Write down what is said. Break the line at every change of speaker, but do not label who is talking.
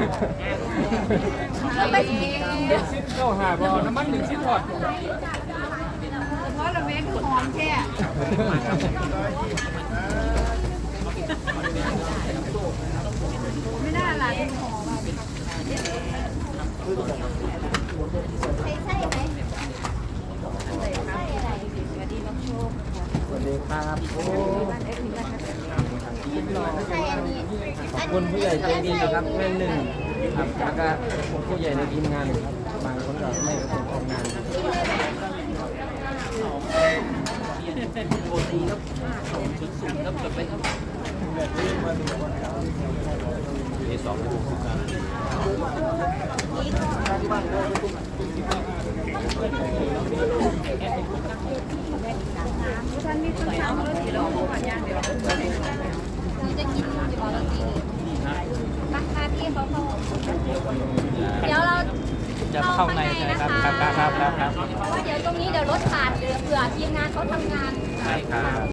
แล้วไปสิ
เข้าหาบอน้ำมันหนึ่งชิ้นทอด
เพราะเราเมคหอมแค่ไม่น่าละหอมใช่ไหมสวัสดีน้องโชค
สวัสดีครับ
ใช่อันนี้
ขอบคุณผู้ใหญ่ใจดีครับแม่หนึ่งครับแล้วก็ผู้ใหญ่ในทีมงานบางคนก็ไม่ประสงค์ออกงานโอตีครับชุดสูงครับไปครับที่สอง
ท่านมีคนถามว่าที่เราพูดกันย่างเดี๋ยวนี่จะกินจะบอกเรากินราคาที่เขาเดี๋ยวเรา
จะเข้าในใช่ไหมครับครับ
เพราะเดี๋ยวตรงนี้เดี๋ยวรถขาดเผื่อทีมงานเขาทำงาน
ใช่ครับ